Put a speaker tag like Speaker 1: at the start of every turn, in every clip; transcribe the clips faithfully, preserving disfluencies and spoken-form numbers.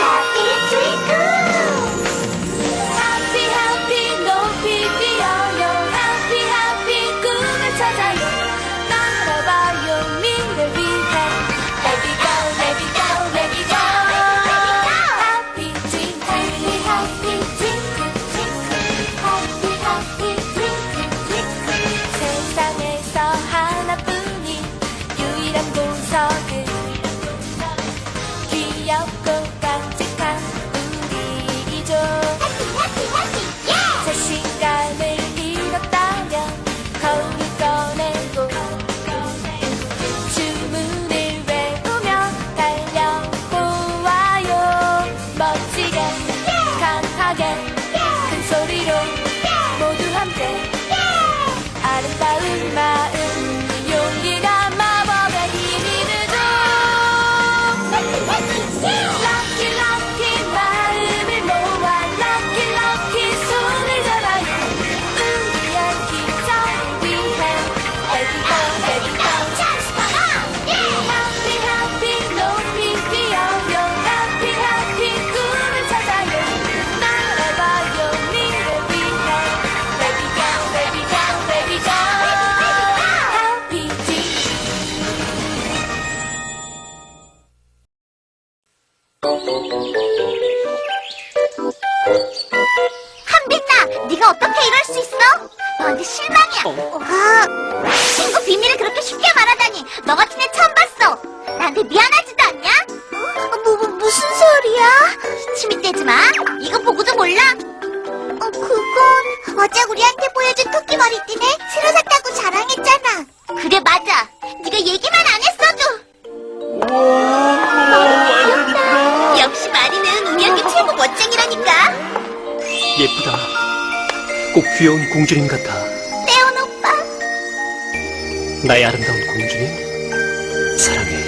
Speaker 1: 한빛나, 네가 어떻게 이럴 수 있어? 너한테 실망이야.
Speaker 2: 어?
Speaker 1: 아, 친구 비밀을 그렇게 쉽게 말하다니. 너 같은 애 처음 봤어. 나한테 미안하지도 않냐? 어, 뭐, 뭐, 무슨 소리야? 침이 떼지 마. 이거 보고도 몰라? 어, 그건 어제 우리한테 보여준 토끼 머리띠네. 새로 샀다고 자랑했잖아. 그래, 맞아. 네가 얘기만 안 했어도.
Speaker 2: 우와, 완전 이쁘다.
Speaker 1: 역시 마리는 우리 학교 최고 멋쟁이라니까.
Speaker 2: 예쁘다. 꼭 귀여운 공주님 같아.
Speaker 1: 떼온 오빠.
Speaker 2: 나의 아름다운 공주님, 사랑해.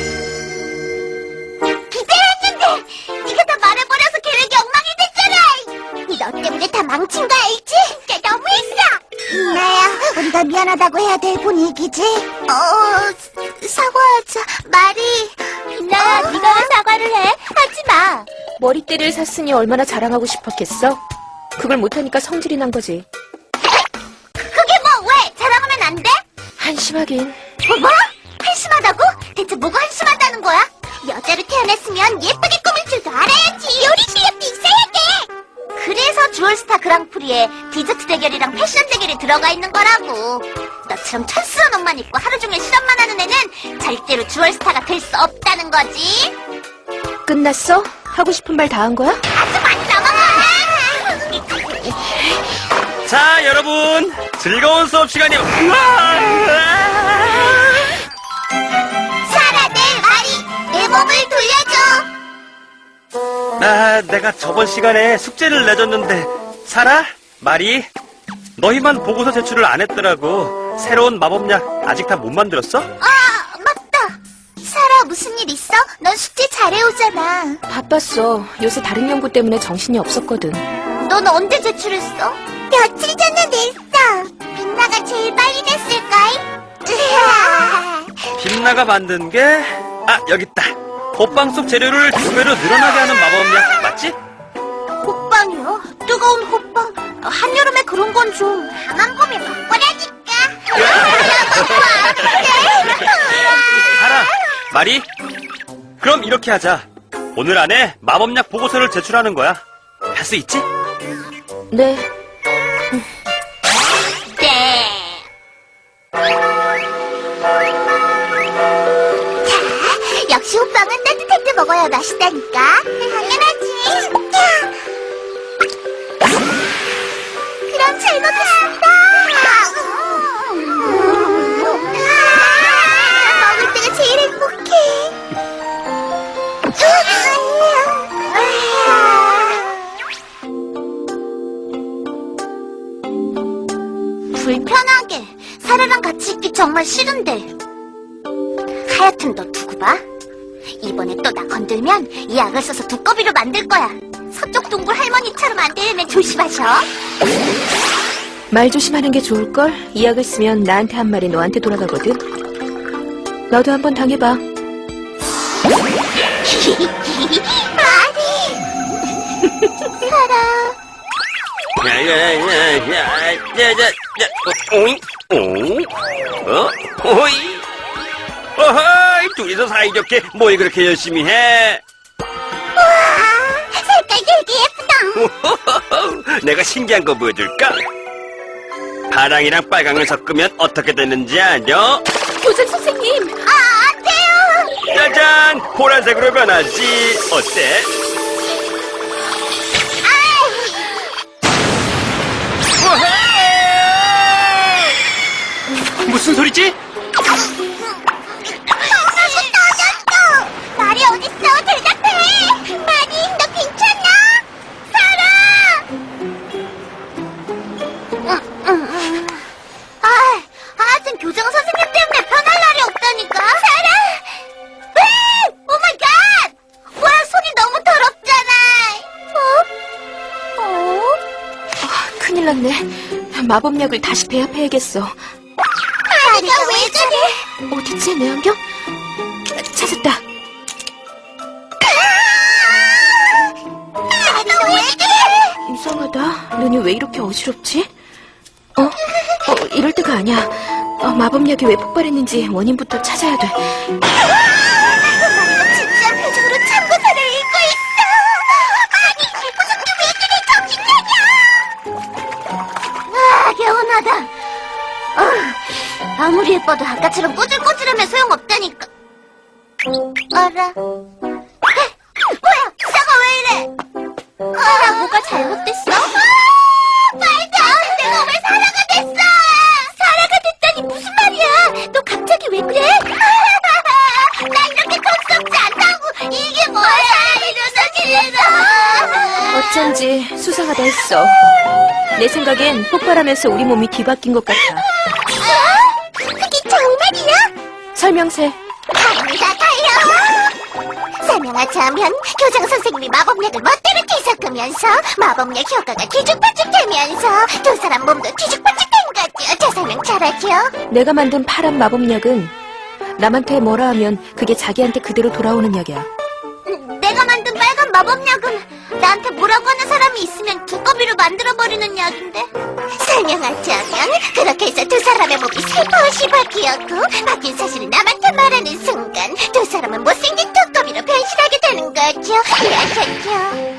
Speaker 1: 기대했는데 네가 다 말해버려서 계획이 엉망이 됐잖아. 너 때문에 다 망친 거 알지? 진짜 너무했어. 나야, 우리 다 미안하다고 해야 될 분위기지? 어, 사과하자. 말이.
Speaker 3: 빛나야,
Speaker 1: 어?
Speaker 3: 네가 왜 사과를 해? 하지 마. 머리띠를 샀으니 얼마나 자랑하고 싶었겠어? 그걸 못하니까 성질이 난 거지.
Speaker 1: 그게 뭐, 왜? 자랑하면 안 돼?
Speaker 3: 한심하긴.
Speaker 1: 뭐? 뭐? 한심하다고? 대체 뭐가 한심하다는 거야? 여자로 태어났으면 예쁘게 꾸밀 줄도 알아야지. 요리 실력도 있어야 돼. 그래서 주얼스타 그랑프리에 디저트 대결이랑 패션 대결이 들어가 있는 거라고. 너처럼 천스러운 옷만 입고 하루 종일 실험만 하는 애는 절대로 주얼스타가 될 수 없다는 거지.
Speaker 3: 끝났어? 하고 싶은 말 다 한 거야?
Speaker 1: 아주 많이 넘어가.
Speaker 2: 자, 여러분, 즐거운 수업 시간이요.
Speaker 1: 사라, 내 말이 내 몸을 돌려줘.
Speaker 2: 아, 내가 저번 시간에 숙제를 내줬는데, 사라, 마리, 너희만 보고서 제출을 안 했더라고. 새로운 마법약 아직 다 못 만들었어?
Speaker 1: 아, 맞다. 사라, 무슨 일 있어? 넌 숙제 잘해오잖아.
Speaker 3: 바빴어. 요새 다른 연구 때문에 정신이 없었거든.
Speaker 1: 넌 언제 제출했어? 며칠 전에 냈어. 빛나가 제일 빨리 냈을걸?
Speaker 2: 빛나가 만든 게, 아, 여기 있다. 호빵 속 재료를 두 배로 늘어나게 하는 마법약, 맞지?
Speaker 1: 호빵이요? 뜨거운 호빵? 한여름에 그런 건 좀. 나만 보면 먹거라니까.
Speaker 2: 사라, 마리, 그럼 이렇게 하자. 오늘 안에 마법약 보고서를 제출하는 거야. 할 수 있지?
Speaker 3: 네.
Speaker 1: 네. 자, 역시 호빵은 따뜻할 때 먹어야 맛있다니까. 당연하지. 그럼 잘 먹겠습니다. 먹을 때가 제일 행복해. 불편하게. 사라랑 같이 있기 정말 싫은데. 하여튼 너 두고 봐. 이번에 또 나 건들면 이 약을 써서 두꺼비로 만들 거야. 서쪽 동굴 할머니처럼 안 되려면 조심하셔.
Speaker 3: 말 조심하는 게 좋을걸? 이 약을 쓰면 나한테 한 말이 너한테 돌아가거든. 너도 한번 당해봐.
Speaker 1: 말이.
Speaker 2: 야야야야야야야 오잉 오 어? 오이 어허이 둘이서 사이좋게 뭘 그렇게 열심히 해?
Speaker 1: 와, 색깔 되게 예쁘다.
Speaker 2: 내가 신기한 거 보여줄까? 파랑이랑 빨강을 섞으면 어떻게 되는지 아냐?
Speaker 3: 교장 선생님!
Speaker 1: 아, 안 돼요.
Speaker 2: 짜잔! 보라색으로 변하지. 어때? 무슨 소리지?
Speaker 1: 엄마가 터졌어. 말이 어딨어? 대답해. 마니, 너 괜찮아? 살아. 음, 음, 음. 아, 하여튼 교장 선생님 때문에 편할 날이 없다니까. 살아. 왜? 오 마이 갓. 뭐야, 손이 너무 더럽잖아. 어? 어?
Speaker 3: 아, 큰일 났네. 마법약을 다시 배합해야겠어.
Speaker 1: 마리가 왜 저래?
Speaker 3: 어딨지, 내 안경? 찾았다.
Speaker 1: 나도 왜 그래?
Speaker 3: 이상하다. 눈이 왜 이렇게 어지럽지? 어? 어, 이럴 때가 아니야. 어, 마법약이 왜 폭발했는지 원인부터 찾아야 돼.
Speaker 1: 마리가 진짜 표정으로 참고서를 읽고 있어. 아니, 무슨 왜 그래, 정신차려. 아, 개운하다. 아, 아무리 예뻐도 아까처럼 꼬질꼬질하면 소용없다니까. 알아. 에, 뭐야, 사과 왜 이래? 사라, 뭐가 잘못됐어? 아, 말도 안 돼. 내가 왜 사라가 됐어? 사라가 됐다니 무슨 말이야? 너 갑자기 왜 그래? 나 이렇게 겁스럽지 않다고. 이게 뭐야? 이러다
Speaker 3: 어쩐지 수상하다 했어. 내 생각엔 폭발하면서 우리 몸이 뒤바뀐 것 같아.
Speaker 1: 어? 그게 정말이야?
Speaker 3: 설명세.
Speaker 1: 갑니다, 달려! 설명하자면 교장 선생님이 마법약을 멋대로 뒤섞으면서 마법약 효과가 뒤죽박죽되면서 두 사람 몸도 뒤죽박죽된 거죠. 제 설명 잘하죠?
Speaker 3: 내가 만든 파란 마법약은 남한테 뭐라 하면 그게 자기한테 그대로 돌아오는 약이야.
Speaker 1: 음, 내가 만든 빨간 마법약은 나한테 뭐라고 하는 사람이 있으면 두꺼비로 만들어버리는 약인데. 설명하자면 그렇게 해서 두 사람의 몸이 살포시 바뀌었고 바뀐 사실을 남한테 말하는 순간 두 사람은 못생긴 두꺼비로 변신하게 되는 거죠. 이해하셨죠?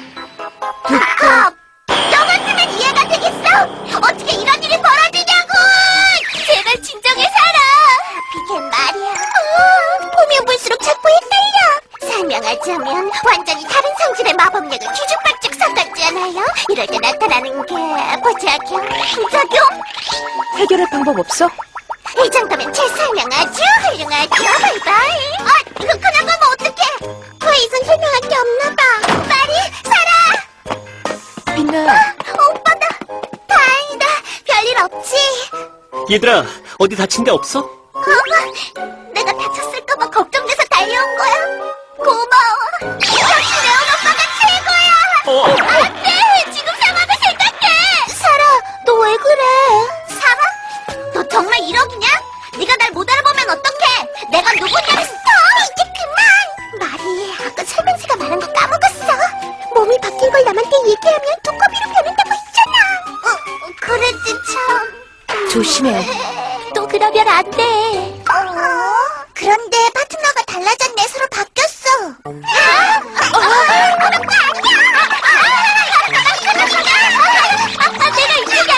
Speaker 1: 두꺼 너 같으면 이해가 되겠어? 어떻게 이런 일이 벌어지냐고! 제발 진정해 살아. 비겐 말이야. 어, 보면 볼수록 자꾸 헷갈려. 설명하자면 완전히 다른 성질의 마법약을 뒤죽박죽 섞었잖아요. 이럴 때 나타나는 게 부작용, 부작용?
Speaker 3: 해결할 방법 없어?
Speaker 1: 이 정도면 제 설명 아주 훌륭하죠. 바이바이. 아, 이거 그냥 가면 어떡해? 더 이상 설명할 게 없나 봐. 마리, 살아.
Speaker 3: 빛나.
Speaker 1: 오빠다. 다행이다. 별일 없지?
Speaker 2: 얘들아, 어디 다친 데 없어?
Speaker 1: 어? 내가 다쳤을까봐 걱정돼서 달려온 거야. 고마워. 역시 레온 오빠가 최고야.
Speaker 2: 어, 어, 어.
Speaker 1: 안 돼. 지금 상황을 생각해. 사라, 너 왜 그래? 사라? 너 정말 이러기냐? 네가 날 못 알아보면 어떡해? 내가 누구냐? 스톱! 이제 그만! 말이 아까 설명서가 말한 거 까먹었어. 몸이 바뀐 걸 남한테 얘기하면 두꺼비로 변한다고 했잖아. 어, 그랬지 참.
Speaker 3: 조심해.
Speaker 1: 또 그러면 안 돼. 어? 그런데 파트너가 달라졌네. 서로 바뀌었어. 아, 어, 그런 거 아니야. 아, 내가 이쪽이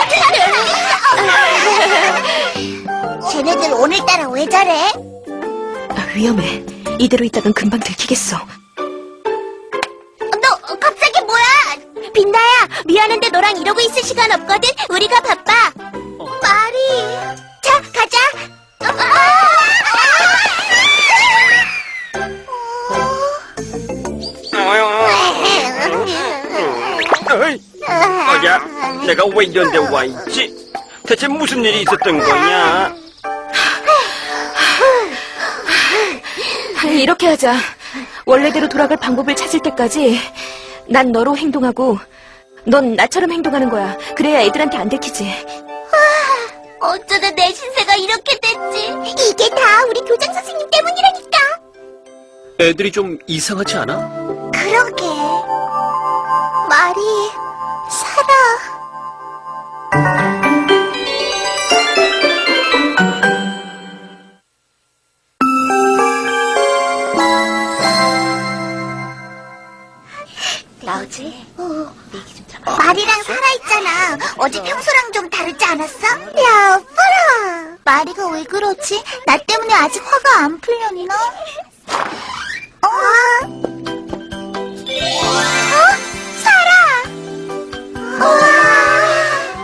Speaker 1: 아니야. 쟤네들 오늘따라 왜 저래?
Speaker 3: 아, 위험해. 이대로 있다간 금방 들키겠어.
Speaker 1: 너 갑자기 뭐야? 빈다야, 미안한데 너랑 이러고 있을 시간 없거든. 우리가 바빠. 말이. 자, 가자.
Speaker 2: 어이, 어야, 내가 왜 이런 데 와 있지? 대체 무슨 일이 있었던 거냐?
Speaker 3: 이렇게 하자. 원래대로 돌아갈 방법을 찾을 때까지 난 너로 행동하고 넌 나처럼 행동하는 거야. 그래야 애들한테 안 들키지.
Speaker 1: 어쩌다 내 신세가 이렇게 됐지? 이게 다 우리 교장 선생님 때문이라니까.
Speaker 2: 애들이 좀 이상하지 않아?
Speaker 1: 그러게. 말이 살아. 나오지? 얘기 좀 들어봐. 마리랑 사라 있잖아. 어제 평소랑 좀 다르지 않았어? 여보라. 마리가 왜 그러지? 나 때문에 아직 화가 안 풀렸나? 어? 어? 사라! 우와!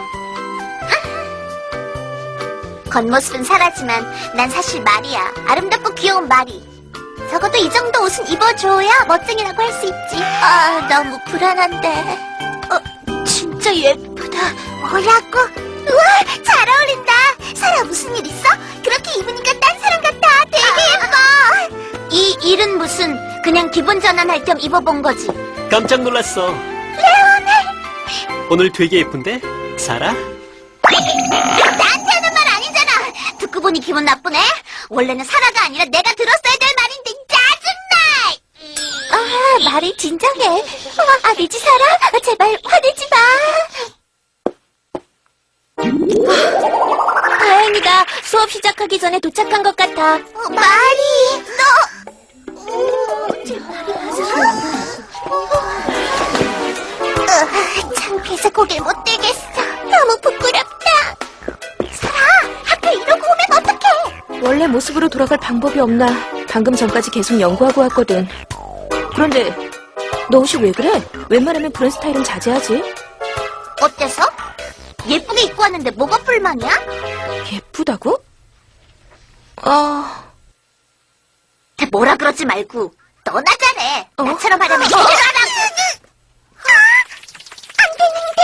Speaker 1: 겉모습은 사라지만 난 사실 마리야. 아름답고 귀여운 마리. 적어도 이 정도 옷은 입어줘야 멋쟁이라고 할 수 있지. 아, 너무 불안한데. 어, 진짜 예쁘다. 뭐라고? 우와, 잘 어울린다. 사라, 무슨 일 있어? 그렇게 입으니까 딴 사람 같아. 되게 예뻐. 이 일은 무슨, 그냥 기분 전환할 겸 입어본 거지.
Speaker 4: 깜짝 놀랐어.
Speaker 1: 레오네.
Speaker 4: 오늘 되게 예쁜데? 사라?
Speaker 1: 나한테 하는 말 아니잖아. 듣고 보니 기분 나쁘네. 원래는 사라가 아니라 내가 들었어야 될 말인데 짜증나. 아, 말이 진정해. 어, 아니지 사라. 제발 화내지 마. 아, 다행이다. 수업 시작하기 전에 도착한 것 같아. 어, 말이 너. 어, 제 말이 어, 창피해서 고개를 못 들겠어. 너무 부끄럽다. 사라, 학교 이러고 오면 어떡해?
Speaker 3: 원래 모습으로 돌아갈 방법이 없나 방금 전까지 계속 연구하고 왔거든. 그런데 너 옷이 왜 그래? 웬만하면 그런 스타일은 자제하지.
Speaker 1: 어때서? 예쁘게 입고 왔는데 뭐가 불만이야?
Speaker 3: 예쁘다고? 어...
Speaker 1: 뭐라 그러지 말고 너나 잘해.
Speaker 3: 어?
Speaker 1: 나처럼 하려면 제대로 하라고. 안 되는데.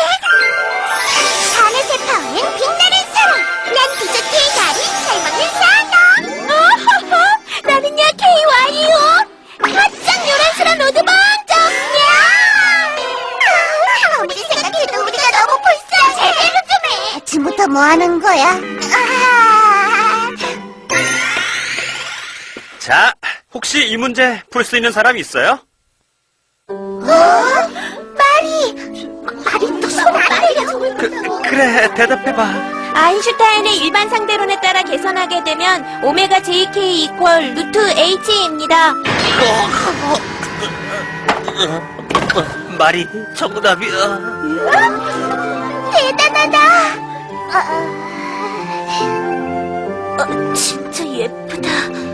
Speaker 1: 하늘색 파워는 빛나는 사람. 난 디저트의 달인 잘 먹는 사람. 어허허, 나는야 케이와이유. 가장 요란스러운 로드방 정야. 아무리 생각해도 우리가 너무 불쌍해. 제대로 좀 해. 아침부터 뭐 하는 거야? 아...
Speaker 2: 자, 혹시 이 문제 풀 수 있는 사람 있어요?
Speaker 1: 어? 마리! 마리 또 손 안 내려!
Speaker 2: 그, 그래, 대답해봐.
Speaker 3: 아인슈타인의 일반 상대론에 따라 계산하게 되면 오메가 제이케이 이퀄 루트 H입니다.
Speaker 2: 말이 정답이야.
Speaker 1: 대단하다! 어, 진짜 예쁘다.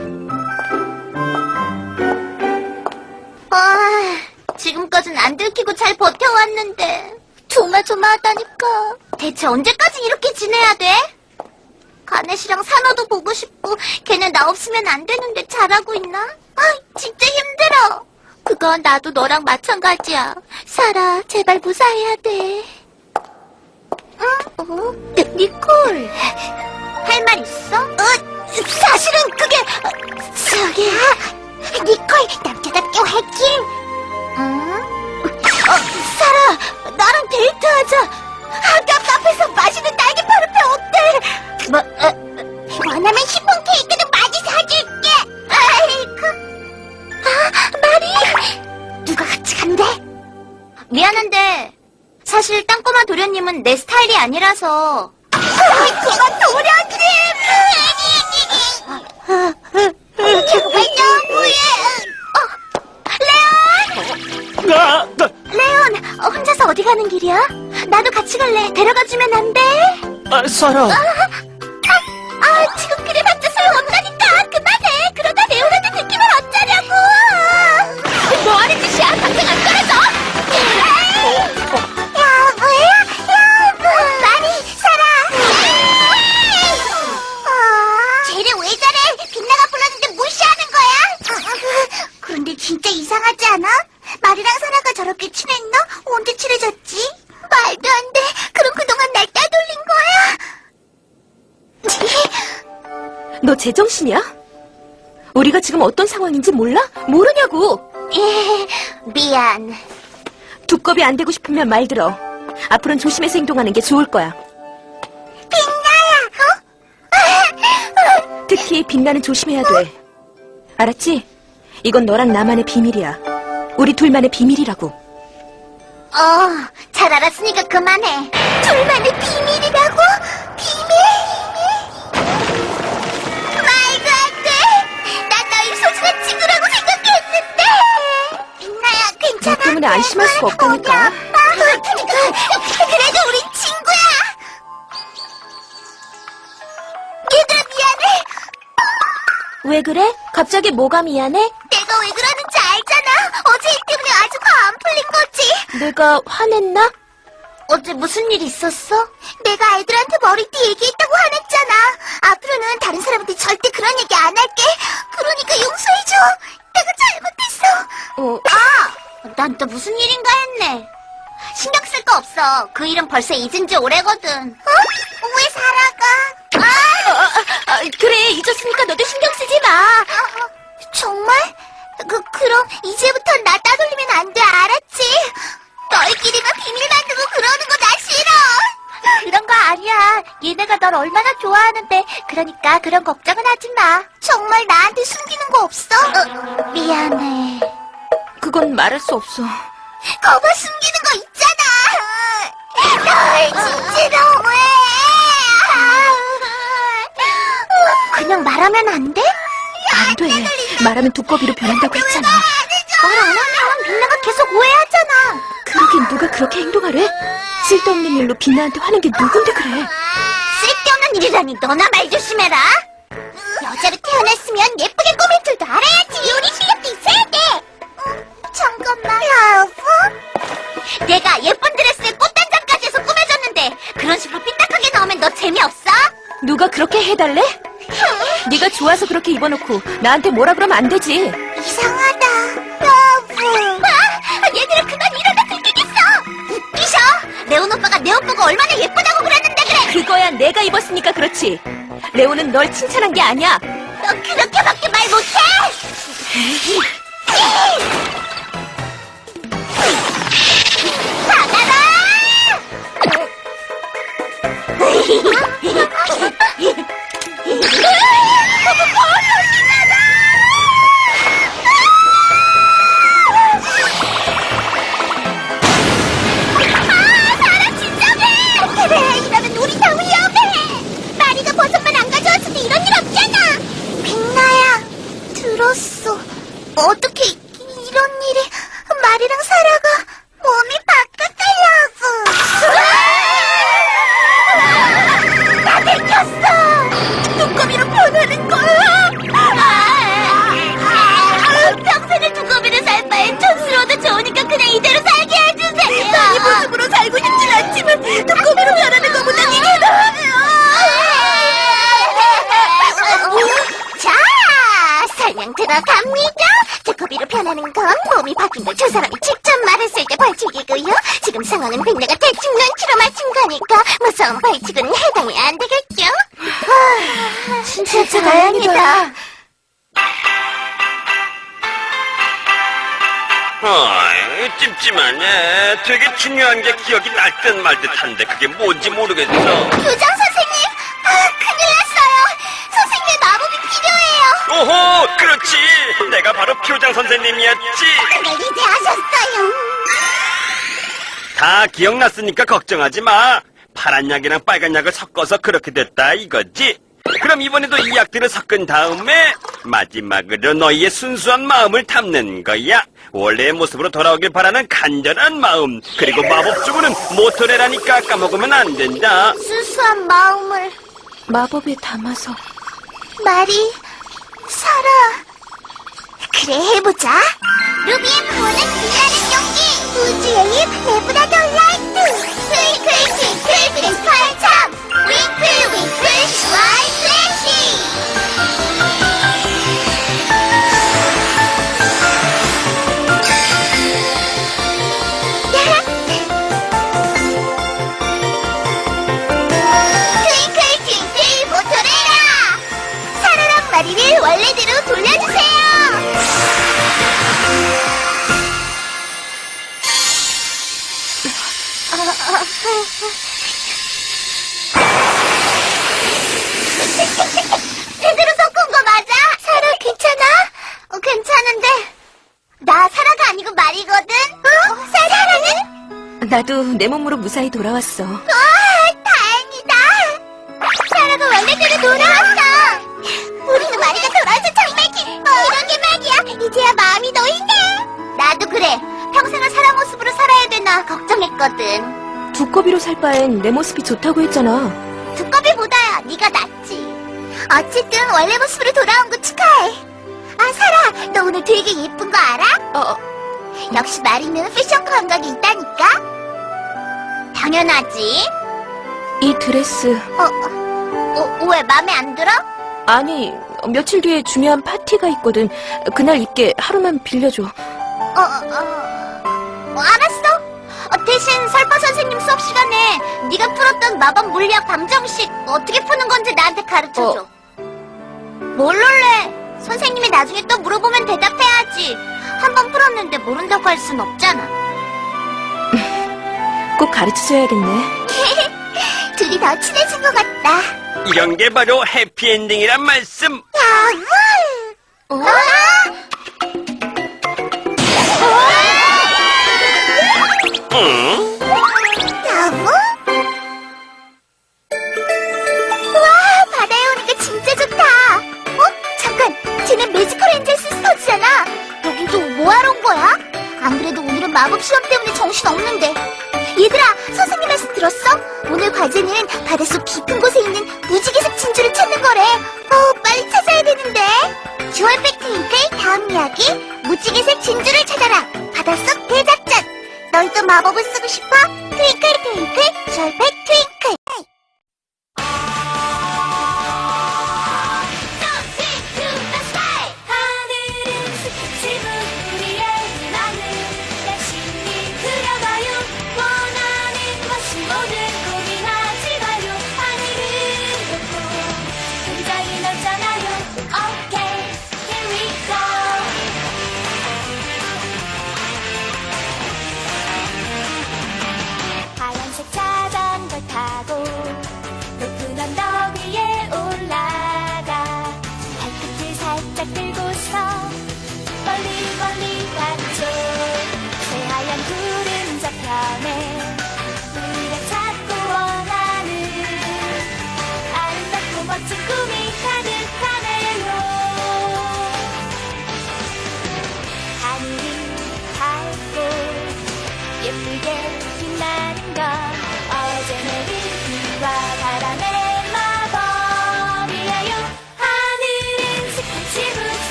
Speaker 1: 아, 지금까진 안 들키고 잘 버텨왔는데 조마조마하다니까. 대체 언제까지 이렇게 지내야 돼? 가넷이랑 산호도 보고 싶고 걔네 나 없으면 안 되는데 잘하고 있나? 아, 진짜 힘들어. 그건 나도 너랑 마찬가지야. 사라, 제발 무사해야 돼. 응? 어? 니콜. 할 말 있어? 어, 사실은 그게 어, 저기 니콜 남자답게 화이팅. 응? 어, 사라, 나랑 데이트하자. 학교 카페에서 맛있는 날개파를 펴 어때? 뭐? 어, 원하면 시폰 케이크는 많이 사줄게. 아이고. 아, 마리. 누가 같이 간대? 미안한데 사실 땅꼬마 도련님은 내 스타일이 아니라서. 그건 도련님! 정말 너무해! 어, 레온!
Speaker 4: 아, 나,
Speaker 1: 레온, 어, 혼자서 어디 가는 길이야? 나도 같이 갈래. 데려가주면 안 돼?
Speaker 4: 아, 사라.
Speaker 1: 아, 아, 지금 그래봤자 소용없다니까. 그만해. 그러다 레온한테 느낌을 어쩌냐고. 뭐 하는 짓이야? 당장 안 떨어져. 여보야, 여보. 마리, 사라. 쟤를 왜 저래? 빛나가 불렀는데 무시하는 거야? 그런데 진짜 이상하지 않아? 마리랑 사라가 저렇게 친했나? 언제 친해졌지? 말도 안 돼. 그럼 그동안 날 따돌린 거야?
Speaker 3: 너 제정신이야? 우리가 지금 어떤 상황인지 몰라? 모르냐고.
Speaker 1: 예, 미안.
Speaker 3: 두껍이 안 되고 싶으면 말 들어. 앞으로는 조심해서 행동하는 게 좋을 거야.
Speaker 1: 빛나야, 어?
Speaker 3: 특히 빛나는 조심해야 돼. 알았지? 이건 너랑 나만의 비밀이야. 우리 둘만의 비밀이라고.
Speaker 1: 어, 잘 알았으니까 그만해. 둘만의 비밀이라고? 비밀? 말도 안 돼. 난 너희 소중한 친구라고 생각했는데. 빛나야, 괜찮아?
Speaker 3: 때문에 안심할 수가 없다니까.
Speaker 1: 그래도 우린 친구야. 얘들아 미안해.
Speaker 3: 왜 그래? 갑자기 뭐가 미안해?
Speaker 1: 내가 왜 그러는지 알잖아. 어제 일 때문에 아주 화 안 풀린 거지.
Speaker 3: 내가 화냈나?
Speaker 1: 어제 무슨 일 있었어? 내가 애들한테 머리띠 얘기했다고 화냈잖아. 앞으로는 다른 사람한테 절대 그런 얘기 안 할게. 그러니까 용서해줘. 내가 잘못했어.
Speaker 3: 어,
Speaker 1: 아! 난 또 무슨 일인가 했네. 신경 쓸 거 없어. 그 일은 벌써 잊은 지 오래거든. 어? 왜 살아가? 아!
Speaker 3: 아, 아, 그래, 잊었으니까 너도 신경 쓰지 마.
Speaker 1: 정말? 그, 그럼 이제부터 나 따돌리면 안 돼, 알았지? 너희끼리만 비밀 만들고 그러는 거 나 싫어. 그런 거 아니야. 얘네가 널 얼마나 좋아하는데. 그러니까 그런 걱정은 하지 마. 정말 나한테 숨기는 거 없어? 어, 미안해.
Speaker 3: 그건 말할 수 없어.
Speaker 1: 거봐 숨기는 거 있잖아. 널 진짜 너무해. 그냥 말하면 안 돼?
Speaker 3: 안 돼. 말하면 두꺼비로 변한다고 했잖아.
Speaker 1: 말 안 하면 빛나가 계속 오해하잖아.
Speaker 3: 그러긴 누가 그렇게 행동하래? 쓸데없는 일로 빛나한테 화낸 게 누군데 그래?
Speaker 1: 쓸데없는 일이라니 너나 말 조심해라. 여자로 태어났으면 예쁘게 꾸밀 줄도 알아야지. 요리 실력도 있어야 돼. 잠깐만. 여보? 내가 예쁜 드레스에 꽃단장까지 해서 꾸며줬는데 그런 식으로 삐딱하게 나오면 너 재미없어?
Speaker 3: 누가 그렇게 해달래? 네가 좋아서 그렇게 입어놓고 나한테 뭐라 그러면 안 되지.
Speaker 1: 이상하다. 여보. 아, 얘들아 그만 이러다 들키겠어. 웃기셔. 레온 오빠가 내 옷 보고 얼마나 예쁘다고 그랬는데 그래.
Speaker 3: 그거야 내가 입었으니까 그렇지. 레오는 널 칭찬한 게 아니야.
Speaker 1: 너 그렇게밖에 말 못해? 받아라! 그래, 이러면 우리 다 위험해. 마리가 버섯만 안 가져왔어도 이런 일 없잖아. 빛나야, 들었어. 어떻게 이런 일이 마리랑 사라가 몸이 바뀌었다려고. 나 들켰어. 두꺼비로 변하는 거야. 평생을 두꺼비로 살 바엔 촌스러워도 좋으니까 그냥 이대로 살게 해주세요. 이 모습으로 살고 싶진 않지만 두꺼비로 변하는 것보단 이게 나아요. 자, 설명 들어갑니다. 두꺼비로 변하는 건 몸이 바뀐 걸 두 사람이 직접 말했을 때 벌칙이고요. 지금 상황은 백내가 대충 눈치로 맞춘 거니까 무서운 벌칙은 해당이 안 되겠죠? 아, 진짜 다행이다.
Speaker 2: 어이, 찜찜하네. 되게 중요한 게 기억이 날 듯 말 듯한데 그게 뭔지 모르겠어.
Speaker 1: 교장 선생님, 아, 큰일 났어요. 선생님의 마법이 필요해요.
Speaker 2: 오호, 그렇지. 내가 바로 교장 선생님이었지.
Speaker 1: 그걸 이제 아셨어요.
Speaker 2: 다 기억났으니까 걱정하지 마. 파란 약이랑 빨간 약을 섞어서 그렇게 됐다 이거지. 그럼 이번에도 이 약들을 섞은 다음에 마지막으로 너희의 순수한 마음을 담는 거야. 원래의 모습으로 돌아오길 바라는 간절한 마음. 그리고 마법 주문은 모토레라니까 까먹으면 안 된다.
Speaker 1: 순수한 마음을
Speaker 3: 마법에 담아서.
Speaker 1: 마리, 사라. 그래, 해보자. 루비의 부어는 빛나는 용기. 우주의 입, 레브라더 라이트. 트윙클, 트윙클, 크리스탈 참. 윙클, 윙클, 스마일 플래시. 트윙클, 트윙클, 모토레라. 사라랑 마리를 원래대로 돌려주세요. 제대로 섞은 거 맞아? 사라 괜찮아? 어, 괜찮은데 나 사라가 아니고 말이거든? 어? 사라는?
Speaker 3: 나도 내 몸으로 무사히 돌아왔어.
Speaker 1: 와, 다행이다. 사라가 원래대로 돌아왔어. 우리도 마리가 돌아와서 정말 기뻐. 이런 게 말이야. 이제야 마음이 놓이네. 나도 그래. 평생을 사람 모습으로 살아야 되나 걱정했거든.
Speaker 3: 두꺼비로 살 바엔 내 모습이 좋다고 했잖아.
Speaker 1: 두꺼비보다야 네가 낫지. 어쨌든 원래 모습으로 돌아온 거 축하해. 아, 사라, 너 오늘 되게 예쁜 거 알아?
Speaker 3: 어,
Speaker 1: 역시 마리는 패션 감각이 있다니까? 당연하지.
Speaker 3: 이 드레스.
Speaker 1: 어, 어, 어, 왜 맘에 안 들어?
Speaker 3: 아니, 며칠 뒤에 중요한 파티가 있거든. 그날 입게 하루만 빌려줘.
Speaker 1: 어, 어, 어, 어, 알았어. 어, 대신 설파 선생님 수업 시간에 네가 풀었던 마법 물리학 방정식 어떻게 푸는 건지 나한테 가르쳐줘. 뭘 놀래? 선생님이 나중에 또 물어보면 대답해야지. 한 번 풀었는데 모른다고 할 순 없잖아.
Speaker 3: 꼭 가르쳐줘야겠네.
Speaker 1: 둘이 더 친해진 것 같다.
Speaker 2: 이런 게 바로 해피엔딩이란 말씀.
Speaker 1: 야물!
Speaker 3: 어?
Speaker 2: 응?
Speaker 1: 야물? 와, 바다에 오니까 진짜 좋다. 어? 잠깐, 쟤네 매지컬 엔젤 시스터즈잖아. 여긴 또 뭐하러 온 거야? 안 그래도 오늘은 마법 시험 때문에 정신 없는데. 얘들아, 선생님 말씀 들었어? 오늘 과제는 바닷속 깊은 곳에 있는 무지개색 진주를 찾는 거래. 어, 빨리 찾아야 되는데. 주얼 팩트 윙클 다음 이야기. 무지개색 진주를 찾아라. 바닷속 대작전. 너희도 마법을 쓰고 싶어? 트윙클 트윙클 주얼 팩트